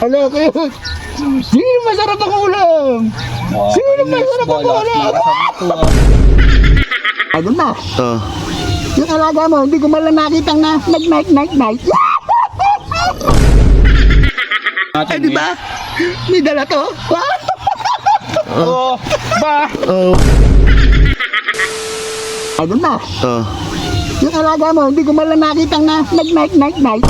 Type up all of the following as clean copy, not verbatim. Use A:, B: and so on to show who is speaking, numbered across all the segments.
A: Hello, kayo. Sino masarap ang ulam? Sino masarap ang ulam? Ano na? Yung alaga mo, hindi ko malang nakitang na nag-night. Ay, di ba? May dala to?
B: Oh, ba?
A: Ano na? Yung alaga mo, hindi ko malang nakitang na nag-night.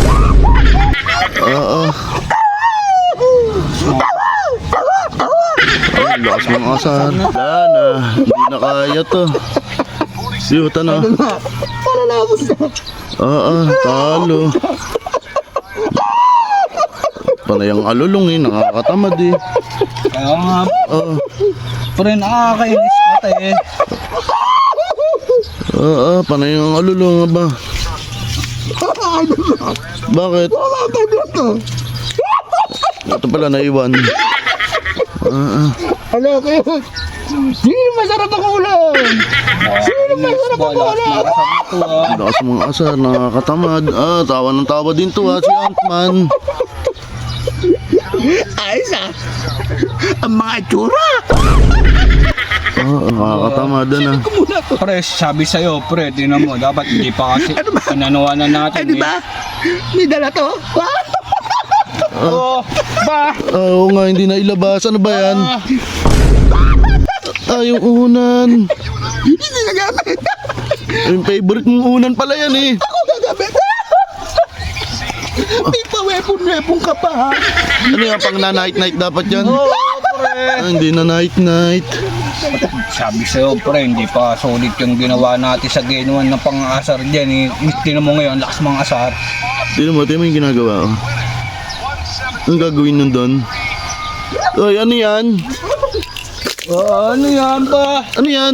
C: Ay, lakas mga asahan. Wala na, hindi na kaya to. Siyuta na.
A: Palalabos na.
C: Talo. Panay ang alulong eh, nakakatamad eh.
B: Kaya nga, pre, nakakainis pati eh.
C: Panay ang alulong ba? Bakit? Ito pala naiwan.
A: Hello, kayo. Sino masarap ang ulam? Sino masarap ang ulam?
C: Lakas mga asar, nakakatamad. Tawa ng tawa din to si Ant-Man.
A: Ayos ang mga tsura.
C: Nakakatamad na.
B: Pre, sabi sa'yo, pre, tinan mo, dapat hindi pa kasi pinanawanan natin
A: Ay, di ba? May dala to?
B: Oh, ba?
C: Oo nga, hindi na ilabas. Ano ba yan? Yung unan.
A: Hindi nagamit.
C: Yung favorite mong unan pala yan eh.
A: Ako gagamit. May pa-weapon ka pa, ha?
C: Ano yan, pang na-night dapat yan?
B: Pre.
C: Hindi na night.
B: Sabi sa'yo, pre, hindi pa solid yung ginawa natin sa genuan na pang-asar dyan eh. Tinan mo ngayon, lakas mga asar.
C: Tignan mo yung ginagawa ko. Anong gagawin nun doon? Ay, ano yan?
B: Ano yan ba?
C: Ano yan?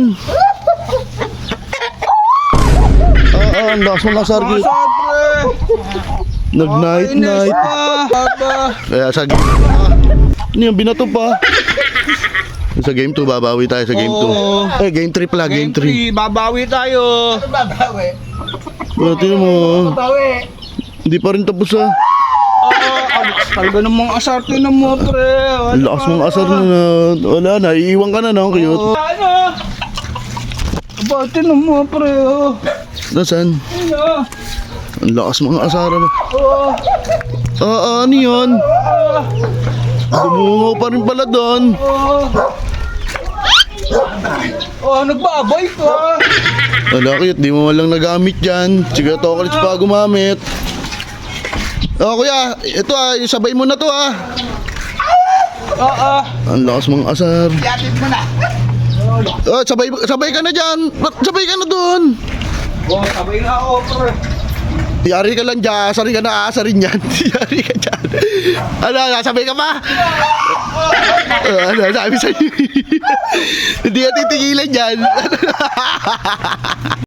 C: Ang lakas mga asar.
B: Asar, pre.
C: Nag-night. Kaya sa game ano yung binato pa? Sa game 2, babawi tayo sa game 2. Game 3 pala, game 3.
B: Babawi tayo.
A: Babawi.
C: Tingnan mo.
A: Babawi.
C: Hindi pa rin tapos
B: Talaga ng mga asar, tinan mo, pre.
C: Ang lakas mga asar na. Wala na, iiwan ka na no, cute.
B: Ano? Aba, tinan mo, pre.
C: Nasaan?
B: Ano?
C: Ang lakas mga asar. Ano yun? Dumungaw pa rin pala doon.
B: Nagbabay ka.
C: Wala cute, di mo walang nagamit dyan. Sige, tokalits pa gumamit. Kuya, ito isabay mo na to Ang lakas mga asar.
A: Yatid mo na.
C: Sabay ka na dyan. Sabay ka na doon.
B: Sabay na ako, pre.
C: Yari ka lang dyan. Asari ka na aasarin yan. Yari ka dyan. Sabay ka pa? Sabi sa'yo. Hindi ka titigilan dyan.